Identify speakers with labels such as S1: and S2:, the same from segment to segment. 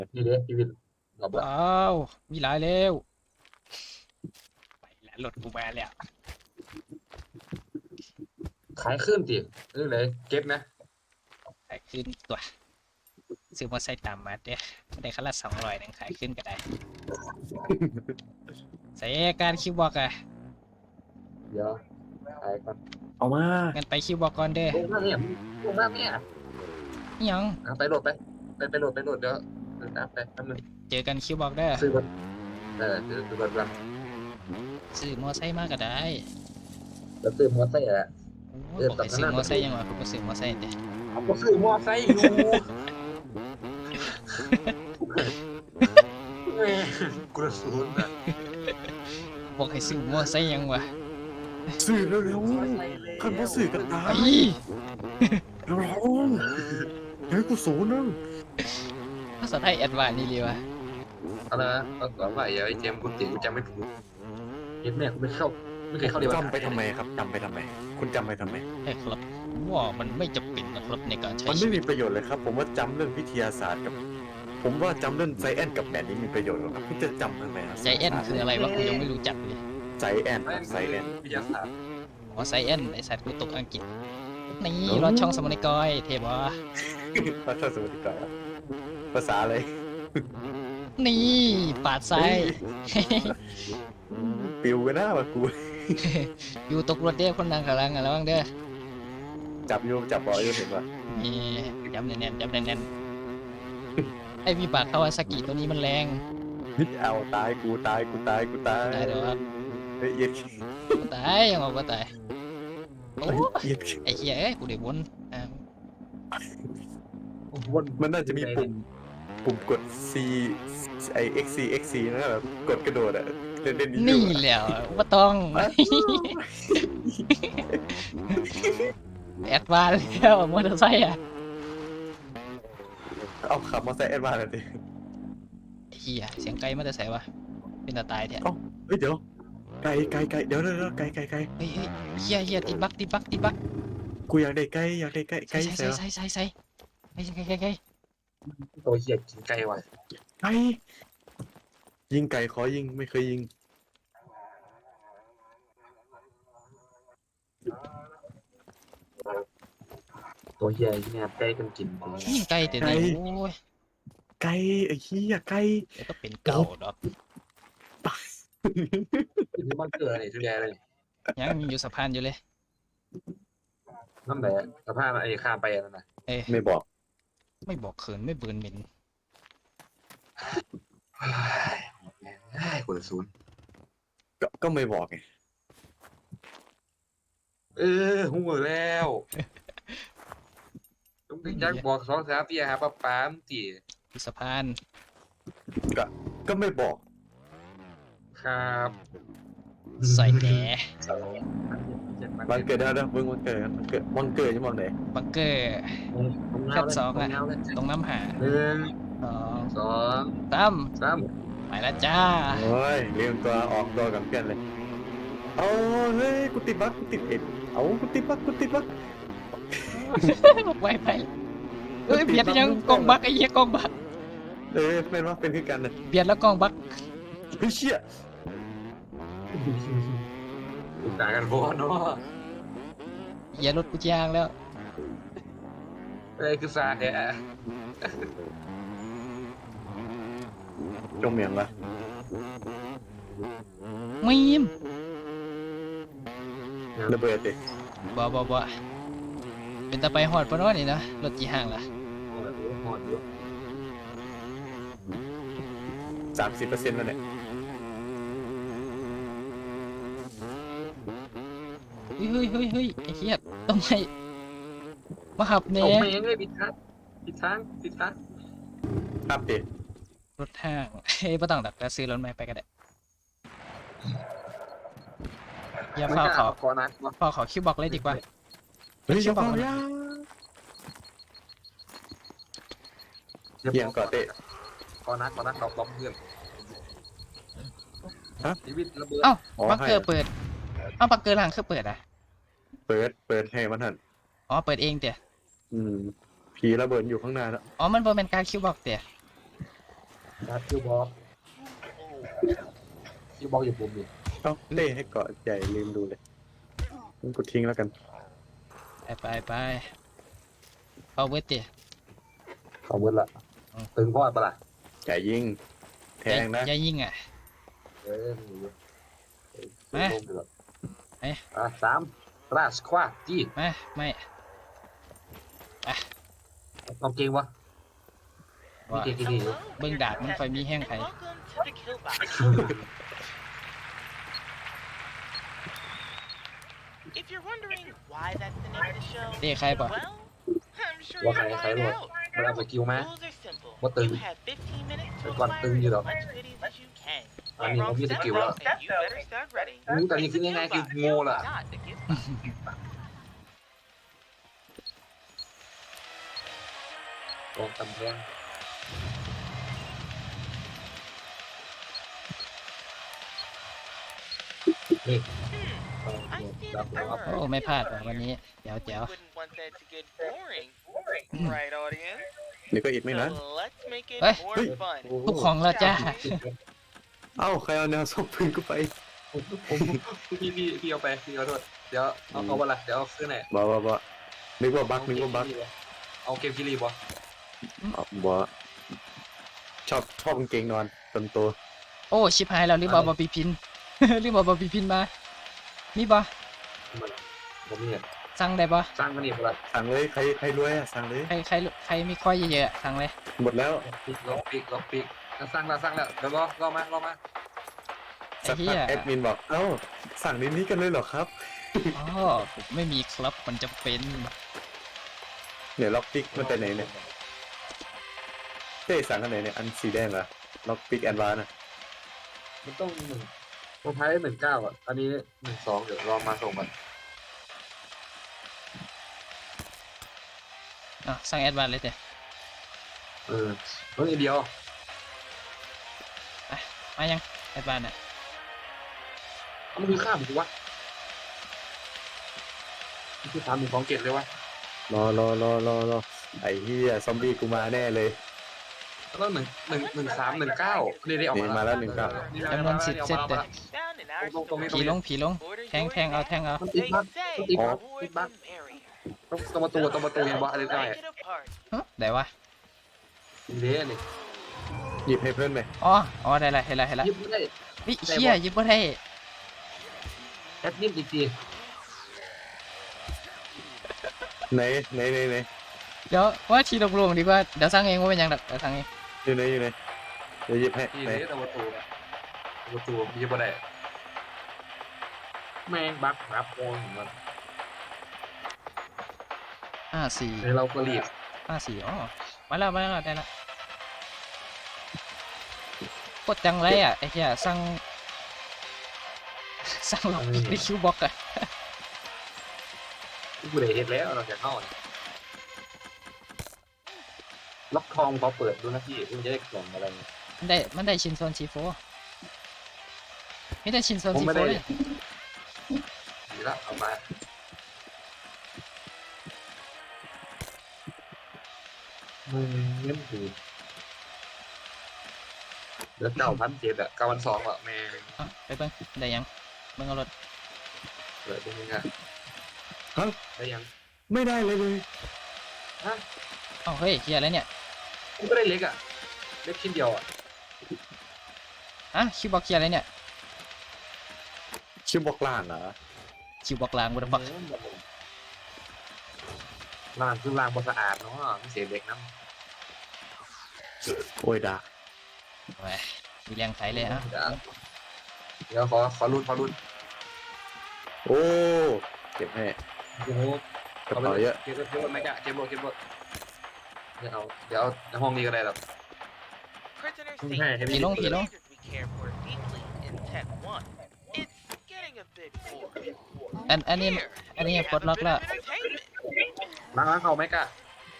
S1: นี่เด้ชีวิตรอบละ
S2: ว้าวมีหลายแล้วไปแล้วรถกูมาแล้ว
S1: ขายขึ้นติเรื่องไหนเก็บนะ
S2: ขายขึ้นตัวซื้อมอไซค์ตามมาเด้ได้คันละ200นึงขายขึ้นก็ได้ใส่การคิวบอกอะ
S1: เดี๋ยวขายก่อน
S3: เอามา
S2: งั้นไปคิวบอกก่อนเด้อ
S1: ลงมาเนี่ยลงมาเนี่ย
S2: อิหยัง
S1: ไปโหลดไปโหลดเดี๋ยวตามไปทำนึง
S2: เจอกันคิวบอกเด้อ
S1: ซื้อรถซื้อรถกัน
S2: ซื้อมอไซค์มาก็ได้
S1: แล้วซื้อมอเตอร์ไซค์อะ
S2: โอ้บอกให้ซื้อมอไซค์ยังวะผมก็ซื้อมอไซค์เด้
S1: เอาก็ซื้อมอเตอร์ไซค์อยู่แม่กระสุนอะ
S2: บอกให้ซื้อมอไซค์ยังวะ
S3: สื่อเร็วๆคันว่าสื่อกันตา
S2: ไอ้
S3: ยเร็วๆเฮ้ยกูศูนย์นึง
S2: ภาษาไทยแอดวานซ์นี่เลยวะ
S1: อะไรนะตอนก่อนว่าไอ้เจมส์กูติกูจำไม่ถูกเห็นแม่กูไม่เคยเข้าเรียน
S3: จำไปทำไมครับจำไปทำไม คุณจำไปทำไม
S2: ใช่ครับว่ามันไม่จำเป็นนะครับในการใช้
S3: มัน
S2: ชี
S3: ไม่
S2: วิ
S3: มี
S2: ต
S3: ประโยชน์เลยครับ ผมว่าจำเรื่องวิทยาศาสตร์กับ ผมว่าจำเรื่องไซแอนกับแมทนี้มีประโยชน์กว่าครับคุณจะจำทำไมครับ
S2: ใจแอนคืออะไรวะกูยังไม่รู้จักเลย
S3: ไซแอน
S1: ไม่
S3: ไซแอน
S1: วิทยาศาสตร์
S2: อ๋อไซแอนไอสัตว์กูตกอังกฤษนี่รอดช่องสมนิกอยเทบวะ
S3: ภาษาสมุทรกาภาษาอะไร
S2: นี่ปาดซ้าย
S3: ปิวกันหน้าว่ะกู
S2: อยู่ตกรถเด้อคนดังกำลังระวังเด้อ
S3: จับโยมจับบ่อยโยมเห็นป่ะ
S2: นี่จำแน่นๆจำแน่นๆไอวิบากคาวาซากิตัวนี้มันแรง
S3: นิดเอาตายกูตายกูตายกูตาย
S2: ตายเดี๋ยวครับ
S3: เฮ้ยเย็ด
S2: ตายยังบอกว่าตายโอ้
S3: เย็ด
S2: ไอเหี้ยเอ้ยกูได้วนอ่า
S1: วน
S3: มันน่าจะมีปุ่มกด C ไอ XC นะแบบกดกระโดดอะเล่นๆ
S2: นี่
S3: อยู่
S2: แหล้วว่าต้อง แอดวานซ์แล้วมอเตอร์ไซค์อ่ะ
S3: เอาขับมอเตอร์ไซค์แอดวานซ์เลยดิ
S2: ไอ้เหี้ยเสียงไกลมาแต่ไสวะเป็นตาตายแท้
S3: เฮ้ยเดี๋ยวไก่เดี๋ยวไก่
S2: เฮ้ยเฮียติดบัก
S3: กูอยากได้ไก่ไก่
S2: ใส่
S3: ใส่
S2: ใส่ไก่
S1: ตัวเหี้ยกินไก่ว่ะ
S3: ไก่ยิงไก่ขอยิงไม่เคยยิง
S1: ตัวเหี้ยเนี่ยไก่กันกิน
S2: ยิงไก่แต่นี่โอ้ย
S3: ไก่ไอ้เหี้ยไก่
S2: เดี๋ยวก็เป็นเก่าดอก
S1: กินที่บ้านเกิดนี่ทุเรียนเลย
S2: ยังอยู่สะพานอยู่เลย
S1: นั่นแหละสภาพไอ้ข้ามไปนั่นน่ะ
S2: เอ้ย
S3: ไม่บอก
S2: ไม่บอกเขินไม่เบิร์นเหม็น
S1: กระสุน
S3: ก็ไม่บอกไง
S1: หัวแล้วต้องยักบอก2-3ปีหาป้ามตี
S2: อยู่สะพาน
S3: ก็ไม่บอก
S1: ครับ
S2: ใส่แหน
S3: วันเกิดได้แล้วมึงวันเกิดจะมองไหน
S2: บังเกอร์ขั้นสองอะตรงน้ำหา
S1: 1
S2: สอง
S1: 2
S2: สาม
S1: 3
S2: ไปแล้วจ้า
S3: โอ้ยเรียงตัวออกตัวกับเพื่อนเลยเอาเฮ้ยกูติดบั๊กกูติดเอ็ดเอากูติดบั๊ก
S2: ไวไปเอ้ยเบียดยังกองบักไอ้เหี้ยกองบัก
S3: เป็นว่าเป็นคือกันนะ
S2: เบียดแล้วกองบัก
S3: เฮ้ยเชี่ย
S1: ต่างกันบ่เนาะ
S2: เหี้ยรถกูยางแล้ว
S1: คือสาแท้
S3: จมเมียงละ
S2: มีม
S3: ระเบิดดิ
S2: บ่เป็นตาไปหอดปะเนาะนี่นะรถจีห่างล่ะ
S3: 30%แล้วเนี่ย
S2: เฮ้ยไอ้เหี้ยต้องให้มาหับเน่
S1: เอาแม่งเลยผิดทาง
S3: ครับดิ
S2: รถห้างเฮ้ยบ่ต้องดักแล้วซื้อรถใหม่ไปก็ได้อย่า
S1: ไม่
S2: เฝ้าก
S1: ล้า
S2: เขา
S1: ขอนักวะ
S2: เฝ้าเขาคิวบอกเลยดีกว่า
S3: เฮ้ย
S2: เชี่ยบอกมัน
S3: เยี่ยงก่อนเตะ
S1: ขอนักเราบล็อกเพื่อน
S3: ฮะ
S1: ชีวิตระเบิด
S2: เอ้า
S3: อ๋อ
S2: บังเกอร์
S3: ให้
S2: เปิดเอ้าบังเกอร์หลังคือเปิดอ่ะ
S3: เปิดให้มันหัน
S2: อ๋อเปิดเองเดี๋ยว
S3: ผีระเบิดอยู่ข้างหน้าแล้ว
S2: อ๋อมันบ่เป็นการคิวบอกเดี๋ยว
S1: นะคิวบอลอยู่ปุ่มนี่
S3: เอ้าเล่ให้เกาะใหญ่ลืมดูเลยงั้นกูทิ้งแล้วกัน
S2: ไปเอาเวทดิ
S1: เอาเวิร์ดละตึงพ่อปะล่ะ
S3: ใหญ่ยิงแทงนะ
S2: อย่ายิงอ่ะ
S1: มีเยอะ
S2: มา
S1: ลงเดือด
S2: เอ๊ะ
S1: 3ราชควาจี้
S2: ไม่
S1: เอาเกงวะมี
S2: ว่า
S1: เกงกี่ดีอยู่
S2: เบิ่งดาบมันค่อยมีแห้งไผ
S4: If you're wondering why that's the name of the show,
S2: เด้ใครบ่
S4: well, I'm sure
S1: ว่า
S4: you'll
S1: ใคร
S4: find
S1: หมด
S4: out.
S1: มันเอาสกิลมา
S4: Rules are simple.
S1: What the-
S4: You have 15 minutes to
S1: Cái con
S4: acquire
S1: tưng như
S4: as
S1: đó.
S4: much goodies as you can.
S1: Anh nhìn không biết
S4: Step
S1: kiểu
S4: up,
S1: đó.
S4: and you better start ready.
S1: Tại vì
S4: It's
S1: cứ
S4: a
S1: nghe ngay
S4: gift
S1: cái
S4: box,
S1: ngô là
S4: not a gift box.
S1: กองตำแพงนี่
S4: I see
S1: ดับ
S4: the
S1: แล้ว
S2: โอ้
S4: bird.
S2: ไม่พลาดว่ะวันนี้เดี๋ยว
S4: We wouldn't want that to get boring, right, audience?
S3: เดี๋ยวก็อีกไม่นาน
S4: So let's make it
S2: Ê.
S4: more fun.
S2: ทุกของแล้วจ้า
S3: เอ้าใครเอาแนวส่งปืนกูไป
S1: พี่เอาไปพี่เอาด้วยเดี๋ยวเอาวันละเดี๋ยวเอาซื้อไหน
S3: บ่นึกว่าบั๊กนึกว่าบั๊ก
S1: เอาเกมกิรีบ่
S3: บ่ชอบกางเกงนอนเต็มตัว
S2: โอ้ชิบหายแล้วรีบเอาบอบีพิน รีบเอาบอบีพินมามีบ่
S1: ผมนี่
S2: สั่งได้บ่
S1: สร้างมันนี่บ่ละ
S3: สั่งเลยใครรวยอะสั่งเลย
S2: ใครมีข้อยเยอะๆสั่งเลย
S3: หมดแล้ว
S1: ล็อกปีกสร้างแล้วเดี๋ยวรอมา
S2: ไอ้
S3: สัก
S2: เหี้
S3: พัก
S2: ย
S3: แอดมินบอกเอ้าสั่งในนี้กันเลยเหรอครับ
S2: อ๋อผมไม่มีครับมันจะเป็น
S3: เนี่ยล็อกปิกมันไปไหนเนี่ยเต้สั่งอันไหนเนี่ยอันสีแดงเหรอล็อกปิกแอนวานอะ
S1: มันต้อง1ตัวท้าย19อ่ะอันนี้12เดี๋ยวรอมาส่งมัน
S2: อ่ะสั่งแอดวานเลยเด้
S1: ต้องอีเดียว
S2: มายังแอดวานอ่ะ
S1: มันคือข้ามกูวะนี่คือ3ของเกตเลยวะ
S3: รอไอ้เหี้ยซอมบี้กูมาแน่เลย
S1: แล้วก็1319นี่ได้ออก
S3: นี่มาแล้ว19
S2: จำนวน10เซตเด้
S4: Found in our
S1: ตรงนี้
S4: store.
S2: ผีลง
S4: Order
S2: แทง
S4: yours
S2: แทงเอา
S4: now.
S2: แทงเอา
S1: มันติด
S4: They
S1: บั๊ก
S4: say
S1: ติด
S4: the
S1: บั๊ก
S4: more
S1: ติดบั๊ก
S4: the merrier.
S1: ตรงประตูเห็นบ่อะไรได้
S4: Break it apart.
S2: ฮะได้วะ
S1: เด้นี่
S3: หยิบให้เพื่อนไหม
S2: อ๋อได้ละเห็นละ
S1: ยิบไม่ได้
S2: วิเชี่ยยิบบ่ได้
S1: แอดมินอีกที
S3: ไหน
S2: เดี๋ยวว่าทีลงดีกว่าเดี๋ยวสั่งเองว่าเป็นยังดอกเดี๋ยวสั่งเอง
S3: อยู่ไหนเดี๋ยวหยิบให้
S1: นี่
S3: ไหน
S1: เด้ประตูยิบบ่ได้แม่งบั๊กครับโอนมัน
S2: 54
S1: เราก็รีบ
S2: 54อ๋อมาแล้วได้ละกดจังไรอ่ะไอ้เหี้ยสั่งล็อกในคิวบ็อกอะ
S1: กูได้เห็นแล้วเราจะเข้าล็อกทองพอเปิดดูนะพี่มันจะได้กล่องอะไร
S2: มันได้ชินโซนซีโฟไม่ได้ชินโซน
S1: ผม
S2: ซี
S1: ไม่
S2: โฟ
S1: ได้
S2: เลย
S1: ดีละเอามาเงี้ยคือเดี๋ยว9,700อ่ะ9,200อ่ะแม่ง
S2: อ่ะไปเบิ่งได้ยังเบิ่งเอารถ
S1: เปิดตรงนี้อ่ะได้ยัง
S3: ไม่ได้เลย
S1: ฮะ
S2: เอ้าเฮ้ยเหี้ยอะไรเนี่ย
S1: กูก็ได้เล็กอ่ะเล็กชิ้นเดียวอ่ะ
S2: คิวบ็อกเหี้ยอะไรเนี่ย
S3: ชื่อบอกล่างเหรอ
S2: คิวบ็อกลางบ่ได้บัก
S1: ล่างคือล่างบอสะอาดเนาะไม่เสียเด็กน้
S3: โอ้ยดา
S2: แหมมีแรงไถเลยอ่ะ
S1: ำเดี๋ยวขอรุ่น
S3: โอ้เก็บให้
S1: โอ้โห
S3: กระเป๋าเยอะ
S1: เก็บรถไหมจ๊ะเก็บรถเดี๋ยวเอาในห้องนี้ก็ได้หรอก
S4: Prisoner
S1: Okay,
S4: safety
S1: have
S4: is
S1: you-
S4: a standard we care for deeply in Tech 1. It's getting a bit boring.
S2: อันนี้
S4: Here, we
S2: ปลด
S4: have a
S2: ล็อก
S4: bit
S2: แล้ว
S4: of entertainment.
S1: ล้างเขาไหมกะ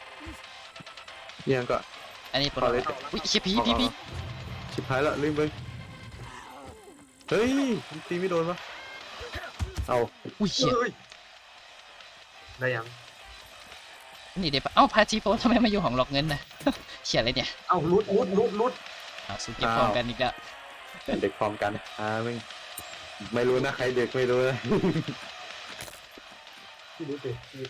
S3: ยังก็
S2: อันนี้ปลดล็อกอุ้ยเชี่ยผี
S3: ชิบหายแล้วลืมไปเฮ้ยมันตีไม่โดนวะเอา
S2: อุ้ยเชี่ย
S1: ได้ยัง
S2: นี่เดี๋ยวเอ้าพาทีโฟทำไมมาอยู่ห้องล็อกเงินนะ เชี่ยอะไรเนี่ย
S1: เอ้ารุด
S2: เอาสิเก็บพร้อมกันอีกแล้ว
S3: เด็กพร้อมกันไม่รู้นะใครเด็กไม่รู้นะ
S1: ที่รู้สิ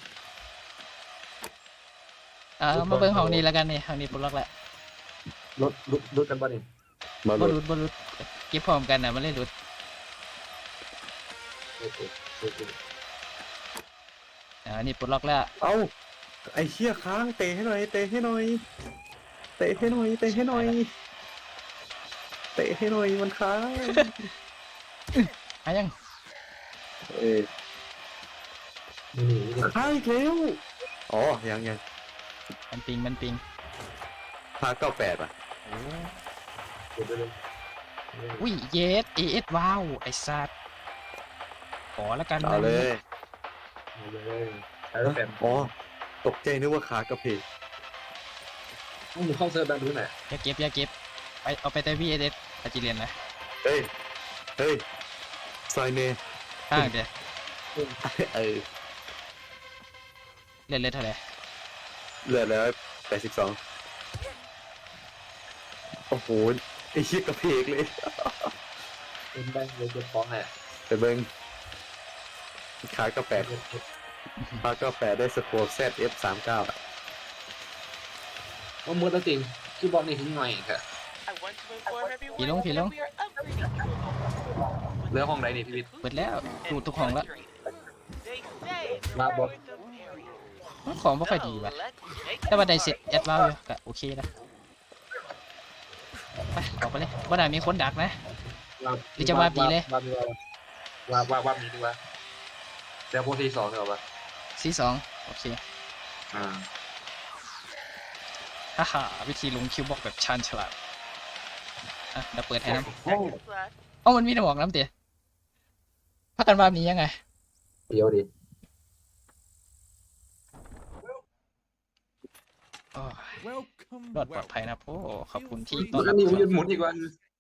S2: มาเบิ่งห้องนี้แล้วกันนี่ห้องนี้ปลดล็อกแล้ว
S1: รถกันบ้านี่
S3: มา
S2: บ่
S3: ลุ้
S2: รุดบ่รุดเก็บพร้อมกันนะมันเลยรุด
S1: โอเคโอเค
S2: อันนี้ปลดล็อกแล้ว
S3: เอ้าไอ้เชี่ยค้างเตะให้หน่อยเตะให้หน่อยเตะให้หน่อยเตะให้หน่อยเตะให้หน่อยมันค้าง
S2: ยัง
S3: เอ้ย
S1: นี่
S3: ค้างอีกแล้วอ๋อยัง
S2: มันปิง
S3: พา98อ่ะ
S1: เดี๋ยวเลย
S2: อุ้ยเยสเอสว้าวไอ้สัตว์ขอแล้วกัน
S3: เอาเลย
S1: เลยแล้วแต่
S3: อ๋อตกใจนึกว่าขากระเพก
S1: ต้องมึงเข้าเซิร์ฟดังดูหน่อย
S2: อย่าเก็บไปเอาไปแต่วีเอสอาจิเรียนนะ
S3: เฮ้ยซอยเน
S2: ข้างเดียว
S3: เออ
S2: เล่นเท่าไหร่
S3: เหลือแล้ว82โอ้โหไอ้เชี่ยกระเพกเลย
S1: เป็นได้เลยจะฟ้องแหละ
S3: ไปเบิ้งขากาแฟพากาแฟได้สโคร์ ZF39 อ่ะ
S1: ว่ามือตัวจริงคีย์บอร์ดนี่ทิ้งหน่อยค่ะ
S4: I want to inform everyone
S2: Pilong.
S4: that we are upgrading to a home.
S1: เรื่องห้องไหนนี่พี่วิทย์
S2: เปิดแล้วดูทุกห้องแล้ว
S4: They say it's
S1: Nah, but-
S4: worth a period.
S2: ของไม่ค่อยดี
S4: So
S2: ว่ะ
S4: let's make
S2: แต่ว่าได้เสร็จแอดว้าวอยู่ก็โอเคนะไปออกไปเลยว่าได้มีคนดักนะ หรือจะวาดดีเลย
S1: วาดมีดีกว่าเดี๋ยวโพสที2เถอะวะ
S2: C2โอเค
S1: อ่า
S2: ฮ่าวิธีลงคิวบอกแบบชาญฉลาดอ่ะเดี๋ยวเปิดให้น้
S4: second class.
S2: ำเอ้ามันมีน้ำบอกน้ำเตี๋ยพักกันว่านี้ยังไง
S1: เดี๋ยวดิ
S2: โอ้ย
S5: Welcome,
S2: รอดปลอดภัยนะพ่อขอบคุณที่ต้
S1: มั
S2: อน
S1: น
S2: รับ
S1: นี่มันหมุนอีกวัน